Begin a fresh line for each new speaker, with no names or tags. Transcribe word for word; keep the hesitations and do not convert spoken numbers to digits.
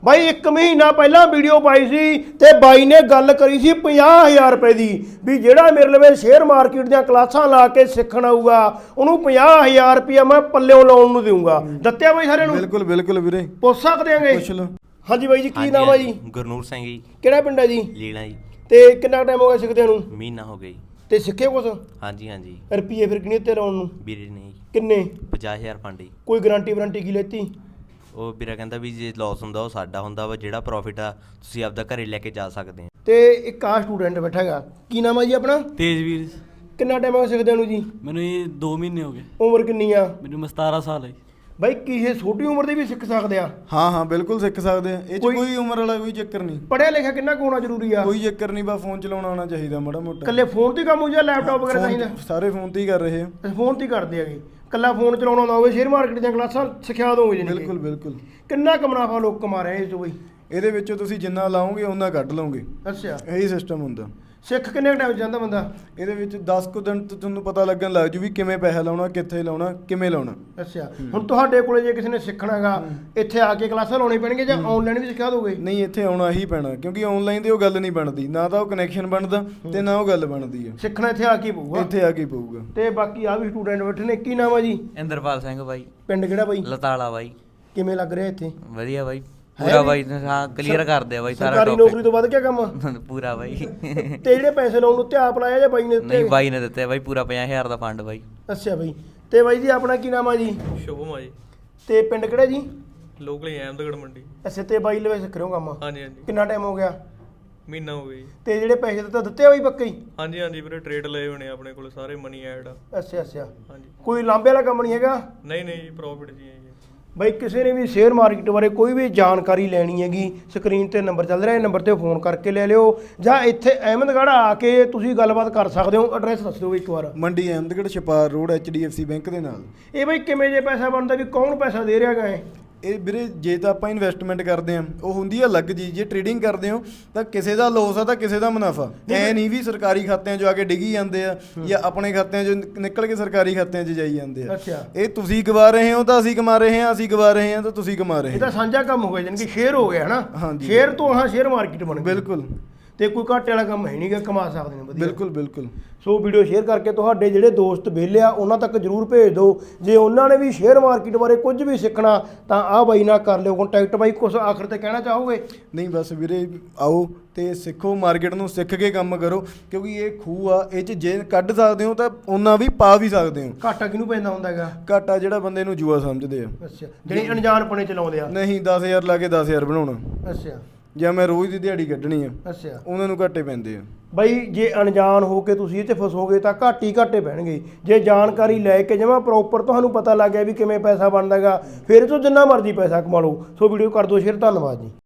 ਬਾਈ ਇੱਕ ਮਹੀਨਾ ਪਹਿਲਾਂ ਵੀਡੀਓ ਪਾਈ ਸੀ ਤੇ ਬਾਈ ਨੇ ਗੱਲ ਕਰੀ ਸੀ ਪੰਜਾਹ ਹਜ਼ਾਰ ਰੁਪਏ ਦੀ ਵੀ ਜਿਹੜਾ ਮੇਰੇ ਲਵੇ ਸ਼ੇਅਰ ਮਾਰਕੀਟ ਦੀਆਂ ਕਲਾਸਾਂ ਲਾ ਕੇ ਸਿੱਖਣ ਆਊਗਾ ਉਹਨੂੰ ਪੰਜਾਹ ਹਜ਼ਾਰ ਰੁਪਇਆ ਮੈਂ ਪੱਲਿਓਂ ਲਾਉਣ ਨੂੰ ਦੇਊਂਗਾ। ਦਿੱਤਿਆ ਬਾਈ ਸਾਰਿਆਂ ਨੂੰ?
ਬਿਲਕੁਲ ਬਿਲਕੁਲ ਵੀਰੇ,
ਪੁੱਛ ਸਕਦੇ ਆਂਗੇ?
ਪੁੱਛ ਲਓ।
ਹਾਂਜੀ ਬਾਈ ਜੀ, ਕੀ ਨਾਮ ਆ ਜੀ?
ਗੁਰਨੂਰ ਸਿੰਘ ਜੀ।
ਕਿਹੜਾ ਪਿੰਡ ਹੈ ਜੀ?
ਲੀਲਾ ਜੀ।
ਤੇ ਕਿੰਨਾ ਟਾਈਮ ਹੋ ਗਿਆ ਸਿੱਖਦਿਆਂ ਨੂੰ?
ਮਹੀਨਾ ਹੋ ਗਿਆ ਜੀ।
ਤੇ ਸਿੱਖੇ ਕੁਛ?
ਹਾਂਜੀ ਹਾਂਜੀ।
ਰੁਪਈਏ ਫਿਰ ਕਿੰਨੇ ਤੇ ਲਾਉਣ ਨੂੰ?
ਵੀਰੇ ਨੇ
ਕਿੰਨੇ?
ਪੰਜਾਹ ਹਜ਼ਾਰ ਫੰਡ ਜੀ।
ਕੋਈ ਗਾਰੰਟੀ ਵਾਰੰਟੀ ਕੀ ਲੈਤੀ?
ਉਹ ਵੀਰਾ ਕਹਿੰਦਾ ਵੀ ਜੇ ਲਾਸ ਹੁੰਦਾ ਉਹ ਸਾਡਾ ਹੁੰਦਾ ਵਾ, ਜਿਹੜਾ ਪ੍ਰੋਫਿਟ ਆ ਤੁਸੀਂ ਆਪਦਾ ਘਰੇ ਲੈ ਕੇ ਜਾ ਸਕਦੇ ਆ।
ਤੇ ਇੱਕ ਆ ਸਟੂਡੈਂਟ ਬੈਠਾ ਹੈਗਾ, ਕੀ ਨਾਮ ਆ ਜੀ ਆਪਣਾ?
ਤੇਜਵੀਰ।
ਕਿੰਨਾ ਟਾਈਮ ਹੋ ਗਿਆ ਸਿੱਖਦਿਆਂ ਨੂੰ ਜੀ?
ਮੈਨੂੰ ਇਹ ਦੋ ਮਹੀਨੇ ਹੋ ਗਏ।
ਉਮਰ ਕਿੰਨੀ ਆ?
ਮੈਨੂੰ ਸਤਾਰਾਂ ਸਾਲ ਹੈ।
ਬਾਈ ਕੀ ਇਹ ਛੋਟੀ ਉਮਰ ਦੇ ਵੀ ਸਿੱਖ ਸਕਦੇ ਆ?
ਹਾਂ ਹਾਂ ਬਿਲਕੁਲ ਸਿੱਖ ਸਕਦੇ ਆ, ਇਹ 'ਚ
ਕੋਈ-
ਕੋਈ ਉਮਰ ਵਾਲਾ ਕੋਈ ਚੱਕਰ ਨਹੀਂ।
ਪੜ੍ਹਿਆ ਲਿਖਿਆ ਕਿੰਨਾ ਕੁ ਹੋਣਾ ਜ਼ਰੂਰੀ ਆ?
ਕੋਈ ਚੱਕਰ ਨਹੀਂ, ਬਸ ਫੋਨ ਚਲਾਉਣਾ ਆਉਣਾ ਚਾਹੀਦਾ ਮਾੜਾ ਮੋਟਾ।
ਇਕੱਲੇ ਫੋਨ ਤੇ ਕੰਮ ਹੋ ਜਾਂ ਲੈਪਟਾਪ ਵਗੈਰਾ
ਫੋਨ-
ਚਾਹੀਦਾ?
ਸਾਰੇ ਫੋਨ ਤੇ ਹੀ ਕਰ ਰਹੇ ਆ।
ਅਸੀਂ ਫੋਨ ਤੇ ਹੀ ਕਰਦੇ ਹੈਗੇ। ਇਕੱਲਾ ਫੋਨ ਚਲਾਉਣਾ ਨਾ ਹੋਵੇ, ਸ਼ੇਅਰ ਮਾਰਕੀਟ ਦੀਆਂ ਕਲਾਸਾਂ ਸਿਖਾ ਦੋਗੇ ਜੀ?
ਬਿਲਕੁਲ ਬਿਲਕੁਲ।
ਕਿੰਨਾ ਕੁ ਮੁਨਾਫਾ ਲੋਕ ਕਮਾ ਰਹੇ ਇਸ ਤੋਂ ਬਈ?
ਇਹਦੇ ਵਿੱਚੋਂ ਤੁਸੀਂ ਜਿੰਨਾ ਲਾਓਗੇ ਉਹਨਾਂ ਕੱਢ ਲਓਗੇ,
ਅੱਛਾ।
ਇਹੀ ਸਿਸਟਮ ਹੁੰਦਾ।
ਸਿੱਖ ਕਿੰਨੇ ਟਾਈਮ ਜਾਂਦਾ ਬੰਦਾ?
ਇਹਦੇ ਵਿੱਚ ਦਸ ਕੁ ਦਿਨ ਤੋਂ ਤੁਹਾਨੂੰ ਪਤਾ ਲੱਗਣ ਲੱਗ ਜੂ ਵੀ ਕਿਵੇਂ ਪੈਸਾ ਲਾਉਣਾ, ਕਿੱਥੇ ਲਾਉਣਾ, ਕਿਵੇਂ ਲਾਉਣਾ।
ਅੱਛਾ। ਹੁਣ ਤੁਹਾਡੇ ਕੋਲੇ ਜੇ ਕਿਸੇ ਨੇ ਸਿੱਖਣਾ ਹੈਗਾ, ਇੱਥੇ ਆ ਕੇ ਕਲਾਸਾਂ ਲਾਉਣੀ ਪੈਣਗੀਆਂ ਜਾਂ ਆਨਲਾਈਨ ਵੀ ਸਿਖਾ ਦੋਗੇ?
ਨਹੀਂ, ਇੱਥੇ ਆਉਣਾ ਹੀ ਪੈਣਾ, ਕਿਉਂਕਿ ਆਨਲਾਈਨ ਤੇ ਉਹ ਗੱਲ ਨਹੀਂ ਬਣਦੀ, ਨਾ ਤਾਂ ਉਹ ਕਨੈਕਸ਼ਨ ਬਣਦਾ ਤੇ ਨਾ ਉਹ ਗੱਲ ਬਣਦੀ ਆ।
ਸਿੱਖਣਾ ਇੱਥੇ ਆ ਕੇ ਪਊਗਾ।
ਇੱਥੇ ਆ ਕੇ ਪਊਗਾ।
ਤੇ ਬਾਕੀ ਆ ਵੀ ਸਟੂਡੈਂਟ ਬੈਠੇ ਨੇ, ਕੀ ਨਾਮ ਆ ਜੀ?
ਇੰਦਰਪਾਲ ਸਿੰਘ ਬਾਈ।
ਪਿੰਡ ਕਿਹੜਾ ਬਾਈ?
ਲਤਾਲਾ ਬਾਈ।
ਕਿਵੇਂ ਲੱਗ ਰਿਹਾ ਇੱਥੇ?
ਵਧੀਆ ਬਾਈ, ਪੂਰਾ ਬਾਈ ਹਾਂ ਕਲੀਅਰ ਕਰਦੇ ਆ ਬਾਈ ਸਾਰਾ
ਸਰਕਾਰੀ ਨੌਕਰੀ ਤੋਂ ਵੱਧ ਕਿਆ ਕੰਮ?
ਪੂਰਾ ਬਾਈ।
ਤੇ ਜਿਹੜੇ ਪੈਸੇ ਲਾਉਣ ਨੂੰ ਤੇ ਆਪ ਲਾਇਆ ਜਾਂ ਬਾਈ ਨੇ ਦਿੱਤੇ?
ਨਹੀਂ ਬਾਈ ਨੇ ਦਿੱਤੇ ਬਾਈ, ਪੂਰਾ ਪੰਜਾਹ ਹਜ਼ਾਰ ਦਾ ਫੰਡ ਬਾਈ।
ਅੱਛਾ ਬਾਈ। ਤੇ ਬਾਈ ਜੀ ਆਪਣਾ ਕੀ ਨਾਮ ਆ ਜੀ?
ਸ਼ੁਭਮ ਆ ਜੀ। ਤੇ
ਪਿੰਡ ਕਿਹੜਾ ਜੀ?
ਲੋਕਲ ਹੀ ਅਹਿਮਦਗੜ੍ਹ ਮੰਡੀ।
ਅੱਛਾ। ਤੇ ਬਾਈ ਲਵੇ ਸਿੱਖ ਰਹੇ ਹੋ ਕੰਮ?
ਹਾਂਜੀ ਹਾਂਜੀ।
ਕਿੰਨਾ ਟਾਈਮ ਹੋ ਗਿਆ?
ਮਹੀਨਾ ਹੋ ਗਿਆ ਜੀ।
ਤੇ ਜਿਹੜੇ ਪੈਸੇ ਦਿੱਤੇ ਦਿੱਤੇ ਆ ਬਾਈ ਪੱਕੇ ਹੀ?
ਹਾਂਜੀ ਹਾਂਜੀ ਵੀਰੇ, ਟ੍ਰੇਡ ਲਏ ਹੋਣੇ ਆਪਣੇ ਕੋਲ ਸਾਰੇ, ਮਨੀ ਐਡ ਆ।
ਅੱਛਾ ਅੱਛਾ।
ਹਾਂਜੀ।
ਕੋਈ ਲਾਂਬੇ ਵਾਲਾ ਕੰਮ ਨਹੀਂ ਹੈਗਾ?
ਨਹੀਂ ਨਹੀਂ ਜੀ, ਪ੍ਰੋਫਿਟ ਜੀ ਹੈ ਜੀ।
ਬਾਈ ਕਿਸੇ ਨੇ ਵੀ ਸ਼ੇਅਰ ਮਾਰਕੀਟ ਬਾਰੇ ਕੋਈ ਵੀ ਜਾਣਕਾਰੀ ਲੈਣੀ ਹੈਗੀ, ਸਕਰੀਨ ਤੇ ਨੰਬਰ ਚੱਲ ਰਿਹਾ, ਇਹ ਨੰਬਰ ਤੇ ਫੋਨ ਕਰਕੇ ਲੈ ਲਿਓ, ਜਾਂ ਇੱਥੇ ਅਹਿਮਦਗੜ੍ਹ ਆ ਕੇ ਤੁਸੀਂ ਗੱਲਬਾਤ ਕਰ ਸਕਦੇ ਹੋ। ਐਡਰੈਸ ਦੱਸ ਦਿਓ ਇੱਕ ਵਾਰ।
Mandi Ahmedgarh, Chhapar road, H D F C bank ਦੇ ਨਾਲ।
ਇਹ ਬਾਈ ਕਿਵੇਂ ਜੇ ਪੈਸਾ ਬਣਦਾ, ਵੀ ਕੌਣ ਪੈਸਾ ਦੇ ਰਿਹਾ ਗਾ?
ਇਹ ਵੀਰੇ ਜੇ ਤਾਂ ਆਪਾਂ ਇਨਵੈਸਟਮੈਂਟ ਕਰਦੇ ਆ ਉਹ ਹੁੰਦੀ ਆ ਅਲੱਗ ਜੀ, ਜੇ ਟ੍ਰੇਡਿੰਗ ਕਰਦੇ ਹੋ ਤਾਂ ਕਿਸੇ ਦਾ ਲੋਸ ਆ ਤਾਂ ਕਿਸੇ ਦਾ ਮੁਨਾਫਾ। ਐ ਨਹੀਂ ਵੀ ਸਰਕਾਰੀ ਖਾਤਿਆਂ 'ਚੋਂ ਆ ਕੇ ਡਿੱਗੀ ਜਾਂਦੇ ਆ ਜਾਂ ਆਪਣੇ ਖਾਤਿਆਂ 'ਚੋਂ ਨਿਕਲ ਕੇ ਸਰਕਾਰੀ ਖਾਤਿਆਂ 'ਚ ਜਾਈ ਜਾਂਦੇ ਆ।
ਅੱਛਾ।
ਇਹ ਤੁਸੀਂ ਗਵਾ ਰਹੇ ਹੋ ਤਾਂ ਅਸੀਂ ਕਮਾ ਰਹੇ ਹਾਂ, ਅਸੀਂ ਗਵਾ ਰਹੇ ਹਾਂ ਤਾਂ ਤੁਸੀਂ ਕਮਾ ਰਹੇ
ਇਹ
ਹੋ।
ਤਾਂ ਸਾਂਝਾ ਕੰਮ ਹੋ ਗਿਆ, ਜਾਣੀ ਕਿ ਸ਼ੇਅਰ ਹੋ ਗਿਆ ਹਨਾ?
ਹਾਂਜੀ।
ਸ਼ੇਅਰ ਤੋਂ ਹਾਂ ਸ਼ੇਅਰ ਮਾਰਕੀਟ ਬਣ ਗਈ।
ਬਿਲਕੁਲ।
ਤੇ ਕੋਈ ਘਾਟੇ ਵਾਲਾ ਕੰਮ ਹੈ ਨਹੀਂਗਾ, ਕਮਾ ਸਕਦੇ ਨੇ ਵਧੀਆ।
ਬਿਲਕੁਲ ਬਿਲਕੁਲ।
ਸੋ ਵੀਡੀਓ ਸ਼ੇਅਰ ਕਰਕੇ ਤੁਹਾਡੇ ਜਿਹੜੇ ਦੋਸਤ ਵਿਹਲੇ ਆ ਉਹਨਾਂ ਤੱਕ ਜਰੂਰ ਭੇਜ ਦਿਓ। ਜੇ ਉਹਨਾਂ ਨੇ ਵੀ ਸ਼ੇਅਰ ਮਾਰਕੀਟ ਬਾਰੇ ਕੁਝ ਵੀ ਸਿੱਖਣਾ ਤਾਂ ਆਹ ਬਾਈ ਨਾਲ ਕਰ ਲਿਓ ਕੰਟੈਕਟ। ਬਾਈ ਕੁਝ ਆਖਰ ਤੇ ਕਹਿਣਾ ਚਾਹੋਗੇ?
ਨਹੀਂ ਬਸ ਵੀਰੇ, ਆਓ ਤੇ ਸਿੱਖੋ, ਮਾਰਕੀਟ ਨੂੰ ਸਿੱਖ ਕੇ ਕੰਮ ਕਰੋ, ਕਿਉਂਕਿ ਇਹ ਖੂਹ ਆ, ਇਹ 'ਚ ਜੇ ਕੱਢ ਸਕਦੇ ਹੋ ਤਾਂ ਉਹਨਾਂ ਵੀ ਪਾ ਵੀ ਸਕਦੇ ਹੋ।
ਘਾਟਾ ਕਿਹਨੂੰ ਪੈਂਦਾ ਹੁੰਦਾ ਹੈਗਾ?
ਘਾਟਾ ਜਿਹੜਾ ਬੰਦੇ ਨੂੰ ਜੂਆ ਸਮਝਦੇ ਆ।
ਅੱਛਾ। ਜਿਹੜੀ ਅਣਜਾਣਪਣੇ ਚਲਾਉਂਦੇ ਆ?
ਨਹੀਂ, ਦਸ ਹਜ਼ਾਰ ਲਾ ਕੇ ਦਸ ਹਜ਼ਾਰ ਬਣਾਉਣਾ,
ਅੱਛਾ।
ਜਾਂ ਮੈਂ ਰੋਜ਼ ਦੀ ਦਿਹਾੜੀ ਕੱਢਣੀ ਆ,
ਅੱਛਾ।
ਉਹਨਾਂ ਨੂੰ ਘਾਟੇ ਪੈਂਦੇ ਆ।
ਬਾਈ ਜੇ ਅਣਜਾਣ ਹੋ ਕੇ ਤੁਸੀਂ ਇਹ 'ਤੇ ਫਸੋਗੇ ਤਾਂ ਘਾਟ ਹੀ ਘਾਟੇ ਪੈਣਗੇ। ਜੇ ਜਾਣਕਾਰੀ ਲੈ ਕੇ ਜਮਾਂ ਪ੍ਰੋਪਰ ਤੁਹਾਨੂੰ ਪਤਾ ਲੱਗ ਗਿਆ ਵੀ ਕਿਵੇਂ ਪੈਸਾ ਬਣਦਾ ਹੈਗਾ, ਫਿਰ ਇਹ ਤੋਂ ਜਿੰਨਾ ਮਰਜ਼ੀ ਪੈਸਾ ਕਮਾ ਲਓ। ਸੋ ਵੀਡੀਓ ਕਰ ਦਿਓ ਸ਼ੇਅਰ। ਧੰਨਵਾਦ ਜੀ।